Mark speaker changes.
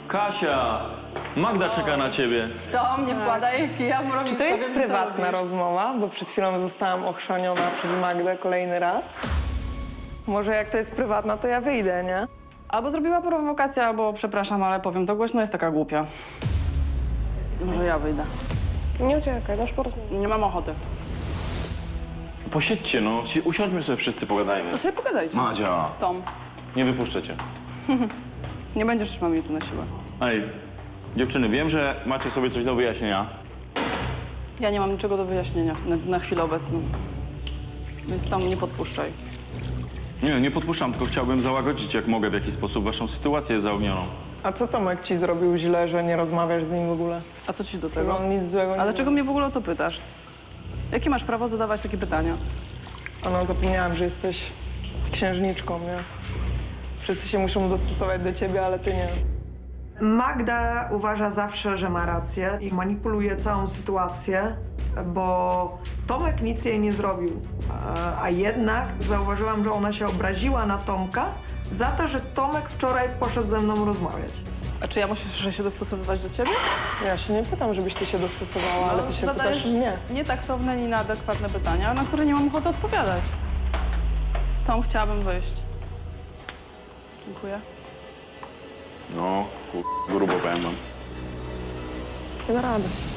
Speaker 1: Kasia, Magda czeka na ciebie.
Speaker 2: To mnie wkładaj, ja mu robię.
Speaker 3: Czy to jest prywatna rozmowa? Bo przed chwilą zostałam ochrzaniona przez Magdę kolejny raz. Może jak to jest prywatna, to ja wyjdę, nie?
Speaker 2: Albo zrobiła prowokację, albo przepraszam, ale powiem to głośno, jest taka głupia. Może ja wyjdę.
Speaker 3: Nie uciekaj, dasz porozmawiać.
Speaker 2: Nie mam ochoty.
Speaker 1: Posiedźcie, no. Usiądźmy sobie wszyscy, pogadajmy.
Speaker 2: To sobie pogadajcie.
Speaker 1: Madzia,
Speaker 2: Tom,
Speaker 1: nie wypuszczę cię.
Speaker 2: nie będziesz trzymał mnie tu na siłę.
Speaker 1: Ej, dziewczyny, wiem, że macie sobie coś do wyjaśnienia.
Speaker 2: Ja nie mam niczego do wyjaśnienia na chwilę obecną. Więc tam nie podpuszczaj.
Speaker 1: Nie podpuszczam, tylko chciałbym załagodzić, jak mogę, w jakiś sposób waszą sytuację zaognioną.
Speaker 3: A co Tomek ci zrobił źle, że nie rozmawiasz z nim w ogóle?
Speaker 2: A co ci do
Speaker 3: Że
Speaker 2: tego?
Speaker 3: on nic złego nie
Speaker 2: Ale czego
Speaker 3: zrobił.
Speaker 2: mnie w ogóle o to pytasz? Jakie masz prawo zadawać takie pytania?
Speaker 3: No, zapomniałam, że jesteś księżniczką, nie? Wszyscy się muszą dostosować do ciebie, ale ty nie.
Speaker 4: Magda uważa zawsze, że ma rację i manipuluje całą sytuację, bo Tomek nic jej nie zrobił. A jednak zauważyłam, że ona się obraziła na Tomka za to, że Tomek wczoraj poszedł ze mną rozmawiać.
Speaker 2: A czy ja muszę się dostosowywać do ciebie?
Speaker 3: Ja się nie pytam, żebyś ty się dostosowała, ale ty się
Speaker 2: zadajesz
Speaker 3: pytasz mnie.
Speaker 2: nietaktowne, nieadekwatne pytania, na które nie mam ochoty odpowiadać. Tom, chciałabym wyjść. Dziękuję.
Speaker 1: No, grubo powiem wam.
Speaker 3: Nie da rady.